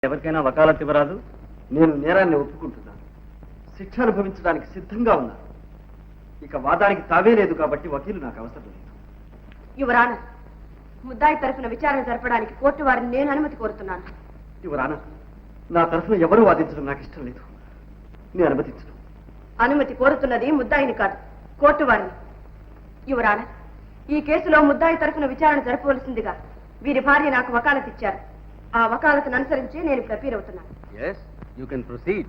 ఎవరికైనా వకాలత్ ఇవ్వరాదు. నేను నేరాన్ని ఒప్పుకుంటున్నాను, శిక్ష అనుభవించడానికి సిద్ధంగా ఉన్నాను. ఇక వాదానికి తావే లేదు కాబట్టి వకీలు నాకు అవసరం లేదు. యువరాన, ముద్దాయి తరఫున విచారణ జరపడానికి కోర్టు వారిని నేను అనుమతి కోరుతున్నాను. యువరాన, నా తరఫున ఎవరూ వాదించడం నాకు ఇష్టం లేదు. నేను అనుమతించను. అనుమతి కోరుతున్నది ముద్దాయిని కాదు, కోర్టు వారిని. యువరాన, ఈ కేసులో ముద్దాయి తరఫున విచారణ జరపవలసిందిగా వీరి భార్య నాకు వకాలత్ ఇచ్చారు. ఆ వకాలతను అనుసరించి నేను ప్రపీర్ అవుతున్నాను. Yes, you can proceed.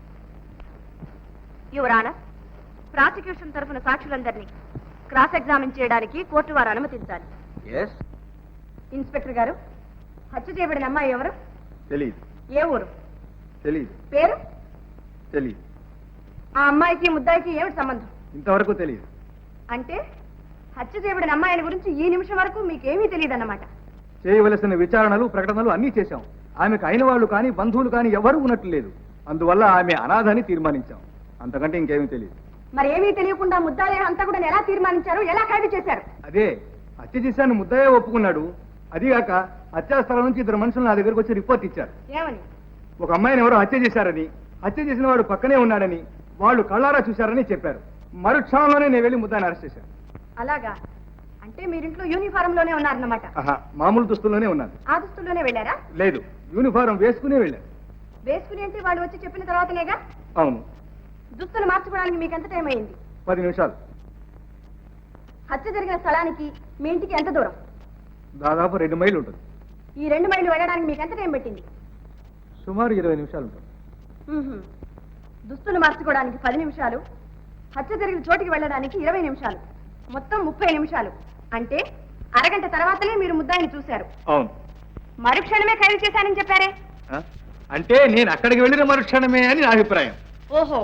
యువరాన, ప్రాసిక్యూషన్ తరఫున సాక్షులందరినీ క్రాస్ ఎగ్జామిన్ చేయడానికి కోర్టు వారు అనుమతించాలి. Yes. ఇన్స్పెక్టర్ గారు, హత్య చేయబడిన అమ్మాయి ఎవరు? తెలీదు. ఏ ఊరు? తెలీదు. పేరు? తెలీదు. ఆ అమ్మాయికి ముద్దాయికి ఏమిటి సంబంధం? ఇంతవరకు తెలియదు. అంటే హత్య చేయబడిన అమ్మాయిని గురించి ఈ నిమిషం వరకు మీకేమీ తెలియదన్నమాట. చేయవలసిన విచారణలు ప్రకటనలు అన్నీ చేశాం. ఆమెకు అయిన వాళ్ళు కానీ బంధువులు కానీ ఎవరు ఉన్నట్లు లేదు. అందువల్ల ఆమె అనాథని తీర్మానించాం. అంతకంటే ఇంకేమీ తెలియదు. మరి ఏమీ తెలియకుండా ముద్దాయి హంతకుడని ఎలా తీర్మానించారు, ఎలా ఖైదు చేశారు? అదే హత్య చేశాను ముద్దయ్య ఒప్పుకున్నాడు. అదిగాక హత్యాస్థలం నుంచి ఇద్దరు మనుషులు నా దగ్గరకు వచ్చి రిపోర్ట్ ఇచ్చారు. ఏమని? ఒక అమ్మాయిని ఎవరో హత్య చేశారని, హత్య చేసిన వాడు పక్కనే ఉన్నాడని, వాళ్ళు కళ్ళారా చూశారని చెప్పారు. మరుక్షణంలోనే నేను వెళ్ళి ముద్దాయిని అరెస్ట్ చేశాను. అలాగా? అంటే మీరింట్లో యూనిఫారం లోనే ఉన్నారన్నమాట. మామూలు దుస్తుల్లోనే ఉన్నాను. ఆ దుస్తుల్లోనే వెళ్ళారా? లేదు, యూనిఫారం వేసుకునే వెళ్ళాను. వేసుకుని అంటే వాళ్ళు వచ్చి చెప్పిన తర్వాతనేగా? అవును. దుస్తులు మార్చుకోవడానికి మీకు ఎంత టైం అయింది? 10 నిమిషాలు. హత్య జరిగిన స్థలానికి మీ ఇంటికి ఎంత దూరం? దాదాపు 2 మైళ్ళు ఉంటుంది. ఈ 2 మైళ్ళు వెళ్ళడానికి మీకు ఎంత టైం పట్టింది? సుమారు 20 నిమిషాలు ఉంటుంది. దుస్తులు మార్చుకోవడానికి 10 నిమిషాలు, హత్య జరిగిన చోటికి వెళ్ళడానికి 20 నిమిషాలు, మొత్తం 30 నిమిషాలు. అంటే అరగంట తర్వాతనే మీరు ముద్దాయిని చూశారు. అవును. మరుక్షణమే ఖైదు చేశానని చెప్పారే? అంటే నేను అక్కడికి వెళ్ళిన మరుక్షణమే అని నా అభిప్రాయం. ఓహో,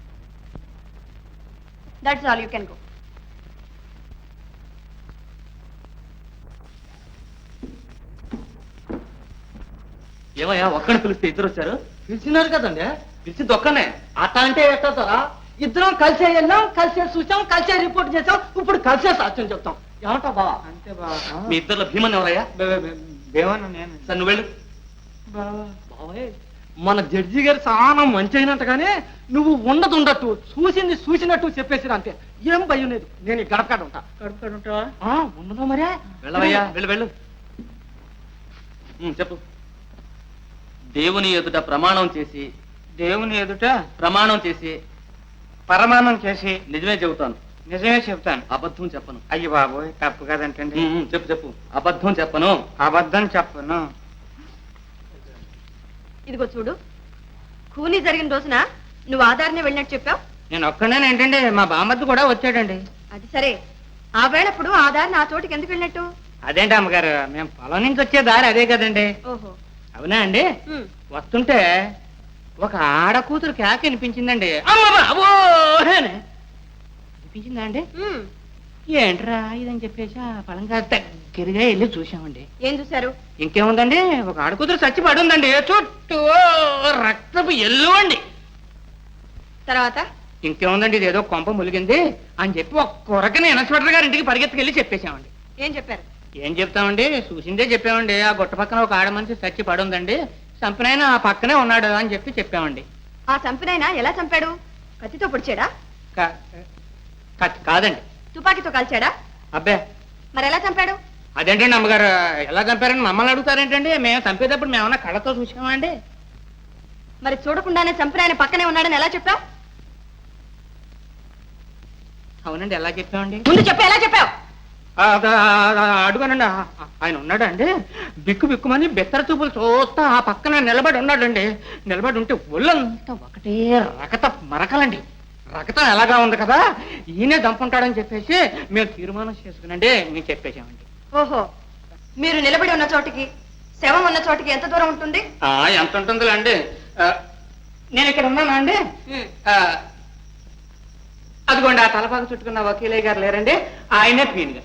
that's all, you can go. ఏమయ్యా, ఒక్కడిని పిలిస్తే ఇద్దరు వచ్చారు? పిలిచినారు కదండి. పిలిచింది ఒక్కనే. అట్ట అంటే ఎట్టారా? ఇద్దరం కలిసే వెళ్ళాం, కలిసే చూసాం, కలిసే రిపోర్ట్ చేసాం, ఇప్పుడు కలిసే సాక్ష్యం చెప్తాం. ఏమంటా బావా? అంతే బావా. మీ ఇద్దరులో భీమన్ ఎవరయ్యా? భీమన్న నేను. సార్ నువ్వు వెళ్ళు. బావే, మన జడ్జి గారు చాలా మంచి అయినట్టుగానే నువ్వు ఉండదు చూసింది చూసినట్టు చెప్పేసిరా అంతే. ఏం భయం లేదు. నేను ఈ గడపకాడ ఉంటా. గడపకాడ ఉంటావా? ఉండదు మరే. వెళ్ళవయ్యా, వెళ్ళు వెళ్ళు. చెప్పు. దేవుని ఎదుట ప్రమాణం చేసి, దేవుని ఎదుట ప్రమాణం చేసి, పరమాణం చేసి నిజమే చెబుతాను. నిజమే చెప్తాను, అబద్ధం చెప్పను. అయ్యి బాబోయ్, తప్పు కదంటండి. చెప్పు చెప్పు. అబద్ధం చెప్పను. అబద్ధం చెప్పను. ఇదిగో చూడు, కూలీ జరిగిన రోజున నువ్వు ఆధారనే వెళ్ళినట్టు చెప్పావు. నేను ఒక్కనే ఏంటండి, మా బామ్మద్దు కూడా వచ్చాడండి. అది సరే, ఆ వేళప్పుడు ఆ దారిని ఆ చోటికి ఎందుకు వెళ్ళినట్టు? అదేంటి అమ్మగారు, మేము పొలం నుంచి వచ్చే దారి అదే కదండి. ఓహో, అవునా అండి? వస్తుంటే ఒక ఆడ కూతురు కేక వినిపించిందండి. అమ్మ బాబో వినిపించిందా అండి? ఏంట్రా ఇదని చెప్పేసి ఆ పొలంగా దగ్గరగా వెళ్ళి చూసామండి. ఏం చూశారు? ఇంకేముందండి, ఒక ఆడ కూతురు చచ్చి పడుందండి. చుట్టూ రక్తపు ఎల్లు అండి. తర్వాత ఇంకేముందండి, ఇదేదో కొంప ములిగింది అని చెప్పి ఒక కొరకని ఇన్స్పెక్టర్ గారి ఇంటికి పరిగెత్తుకెళ్ళి చెప్పేశామండి. ఏం చెప్పారు? ఏం చెప్తామండి, చూసిందే చెప్పామండి. ఆ గుట్ట పక్కన ఒక ఆడ మనిషి చచ్చి పడుందండి, చంపినైనా ఆ పక్కనే ఉన్నాడు అని చెప్పామండి. ఆ చంపినైనా ఎలా చంపాడు? కత్తితో పొడిచాడా? కాదండి, తుపాకీతో కాల్చాడా? అబ్బే, మరి ఎలా చంపాడు? అదేంటండి అమ్మగారు, ఎలా చంపారని మమ్మల్ని అడుగుతారేంటండి? మేము చంపేటప్పుడు మేమన్నా కళ్ళతో చూసామా అండి? మరి చూడకుండానే చంపిన ఆయన పక్కనే ఉన్నాడని ఎలా చెప్పావు? అవునండి, ఎలా చెప్పామండి? ముందు చెప్పు, ఎలా చెప్పావు? అడుగానండి, ఆయన ఉన్నాడండి. బిక్కు బిక్కుమని బెత్తర చూపులు చూస్తా ఆ పక్కన నిలబడి ఉన్నాడండి. నిలబడి ఉంటే ఒళ్ళంతా ఒకటే రకత మరకలండి. రకతం ఎలాగా ఉంది కదా, ఈయనే దంపుంటాడని చెప్పేసి మేము తీర్మానం చేసుకునండి మేము చెప్పేసామండి. ఓహో, మీరు నిలబడి ఉన్న చోటికి శవం ఉన్న చోటికి ఎంత దూరం ఉంటుంది? ఎంత ఉంటుందిలే అండి. నేను ఇక్కడ ఉన్నానా అండి? అదిగోండి, ఆ తలపాక చుట్టుకున్న వకీలయ్య గారు లేరండి, ఆయనే పీనుగా.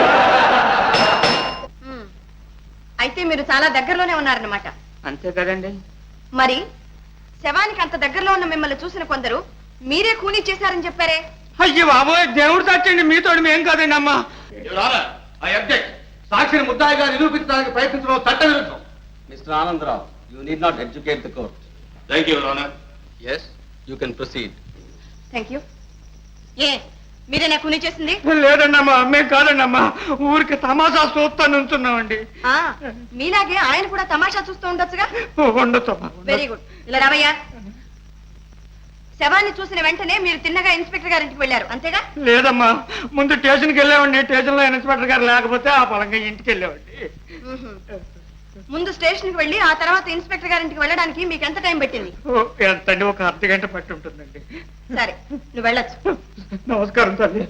అయితే మీరు చాలా దగ్గరలోనే ఉన్నారన్నమాట. అంతే కదండి. మరి శవానికి అంత దగ్గరలో ఉన్న మిమ్మల్ని చూసిన కొందరు మీరే కూనీ చేశారని చెప్పారే? అయ్యో బాబోయ్, దేవుడు సాక్షండి, మీతోడు మేం కాదండి అమ్మా. సాక్షిని ముద్దాయిగా నిరూపించడానికి ప్రయత్నించడం చట్టవిరుద్ధం. Mister Anandrao, You need not educate the court. Thank you, Your Honor. Yes, you can proceed. Thank you. ఏ మీరేనా కూని చేసింది? లేదండమ్మా, మేము కాదండమ్మా, ఊరికి తమాషా చూస్తా నుంచున్నామండి. ఆ, మీలాగే ఆయన కూడా తమాషా చూస్తూ ఉండొచ్చుగా. ఉండొచ్చమ్మా. Very good. ఇలా రావయ్యా. శవాన్ని చూసిన వెంటనే మీరు తిన్నగా ఇన్స్పెక్టర్ గారింటికి వెళ్ళారు అంతేగా? లేదమ్మా, ముందు స్టేషన్కి వెళ్ళామండి. స్టేషన్లో ఇన్స్పెక్టర్ గారు లేకపోతే ఆ పలంగా ఇంటికి వెళ్ళామండి. ముందు స్టేషన్కి వెళ్ళి ఆ తర్వాత ఇన్స్పెక్టర్ గారింటికి వెళ్ళడానికి మీకు ఎంత టైం పెట్టింది? ఎంతండి, ఒక అర్ధగంట పట్టి ఉంటుందండి. సరే, నువ్వు వెళ్ళొచ్చు. నమస్కారం తల్లి.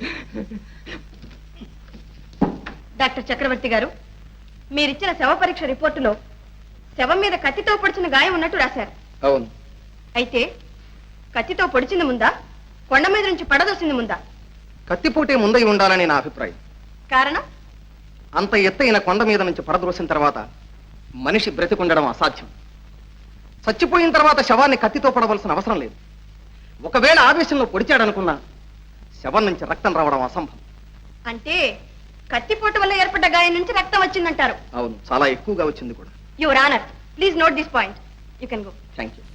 డాక్టర్ చక్రవర్తి గారు, మీరిచ్చిన శవ పరీక్ష రిపోర్టులో శవం మీద కత్తితో పొడిచిన గాయం ఉన్నట్టు రాశారు. అవును. అయితే కత్తితో పొడిచింది ముందా, కొండ మీద నుంచి పడదోసింది ముందా? కత్తిపోటే ముందై ఉండాలని నా అభిప్రాయం. కారణం? అంత ఎత్తైన కొండ మీద నుంచి పడద్రోసిన తర్వాత మనిషి బ్రతికుండడం అసాధ్యం. చచ్చిపోయిన తర్వాత శవాన్ని కత్తితో పడవలసిన అవసరం లేదు. ఒకవేళ ఆవేశంలో పొడిచాడనుకున్నా శవం నుంచి రక్తం రావడం అసంభవం. అంటే కత్తిపోటు వల్ల ఏర్పడ్డ గాయం నుంచి రక్తం వచ్చిందంటారు? అవును, చాలా ఎక్కువగా వచ్చింది కూడా. Your honour, please note this point. You can go. Thank you.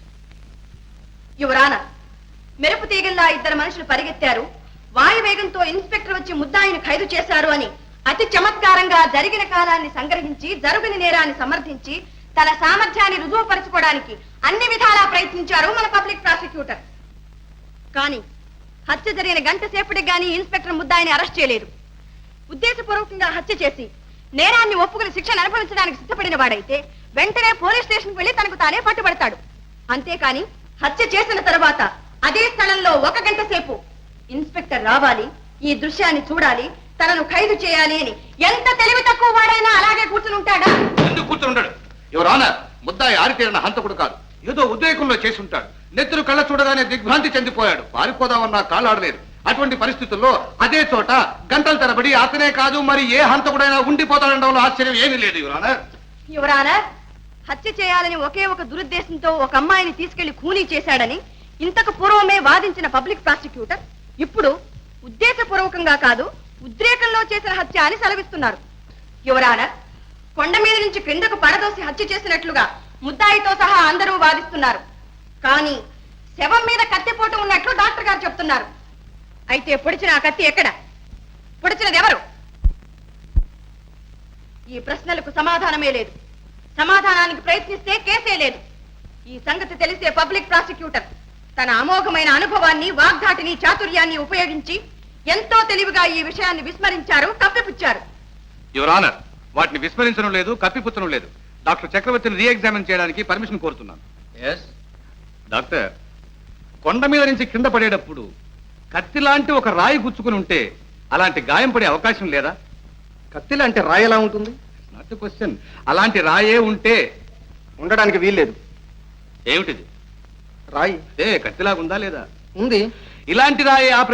Your honour, మెరుపు తీగల్లా ఇద్దరు మనుషులు పరిగెత్తారు, వాయువేగంతో ఇన్స్పెక్టర్ వచ్చి ముద్దాయిని ఖైదు చేశారు అని అతి చమత్కారంగా జరిగిన కాలాన్ని సంగ్రహించి జరుగుని నేరాన్ని సమర్థించి తన సామర్థ్యాన్ని రుజువుపరచుకోవడానికి అన్ని విధాలా ప్రయత్నించారు మన పబ్లిక్ ప్రాసిక్యూటర్. కానీ హత్య జరిగిన గంట సేపటికి గానీ ఇన్స్పెక్టర్ ముద్దాయిని అరెస్ట్ చేయలేదు. ఉద్దేశపూర్వకంగా హత్య చేసి నేరాన్ని ఒప్పుకుని శిక్షను అనుభవించడానికి సిద్ధపడిన వాడైతే వెంటనే పోలీస్ స్టేషన్కి వెళ్లి తనకు తానే పట్టుబడతాడు. అంతేకాని హత్య చేసిన తర్వాత అదే స్థలంలో 1 గంట సేపు ఇన్స్పెక్టర్ రావాలి, ఈ దృశ్యాన్ని చూడాలి, తనను ఖైదు చేయాలి అని ఎంత తెలివి తక్కువ వాడైనా అలాగే కూర్చుని ఉంటాడా? ఎందుకు కూర్చుని ఉండడు? యువర్ ఆనర్, ముద్దాయి ఆరితేరిన హంతకుడు కాదు. ఏదో ఉద్రేకంలో చేసి ఉంటాడు. నెత్తురు కళ్ళ చూడగానే దిగ్భ్రాంతి చెందిపోయాడు. పారిపోదామన్నా కాళ్ళాడలేదు. అటువంటి పరిస్థితుల్లో అదే చోట గంటల తరబడి అతనే కాదు మరి ఏ హంతకుడైనా ఉండిపోతాడనడంలో ఆశ్చర్యం ఏమీ లేదు యువర్ ఆనర్. యువర్ ఆనర్, హత్య చేయాలని ఒకే ఒక దురుద్దేశంతో ఒక అమ్మాయిని తీసుకెళ్లి ఖూనీ చేశాడని ఇంతకు పూర్వమే వాదించిన పబ్లిక్ ప్రాసిక్యూటర్ ఇప్పుడు ఉద్దేశపూర్వకంగా కాదు ఉద్రేకంలో చేసిన హత్య అని సెలవిస్తున్నారు. యువర్ ఆనర్, కొండ మీద నుంచి క్రిందకు పడదోసి హత్య చేసినట్లుగా ముద్దాయితో సహా అందరూ వాదిస్తున్నారు. కానీ శవం మీద కత్తిపోటు ఉన్నట్లు డాక్టర్ గారు చెప్తున్నారు. అయితే పొడిచిన ఆ కత్తి ఎక్కడ? పొడిచినది ఎవరు? ఈ ప్రశ్నలకు సమాధానమే లేదు. సమాధానానికి ప్రయత్నిస్తే కేసే లేదు. ఈ సంగతి తెలిసే పబ్లిక్ ప్రాసిక్యూటర్ తన అమోఘమైన అనుభవాన్ని, వాగ్ధాటిని, చాతుర్యాన్ని ఉపయోగించి ఎంతో తెలివిగా ఈ విషయాన్ని విస్మరించారు, కప్పిపుచ్చారు. యువర్ ఆనర్, వాటిని విస్మరించడం లేదు, కప్పిపుచ్చడం లేదు. డాక్టర్ చక్రవర్తిని రీఎగ్జామిన్ చేయడానికి పర్మిషన్ కోరుతున్నాను. ఎస్. డాక్టర్, కొండ మీద నుంచి కింద పడేటప్పుడు కత్తి లాంటి ఒక రాయి గుచ్చుకుని ఉంటే అలాంటి గాయం పడే అవకాశం లేదా? కత్తి లాంటి రాయి ఎలా ఉంటుంది? Not question. అలాంటి రాయే ఉంటే ఉండడానికి వీల్లేదు. ఏమిటిది? రాయి కత్తిలాగుందా లేదా? ఉంది. ఇలాంటి రాయే ఆ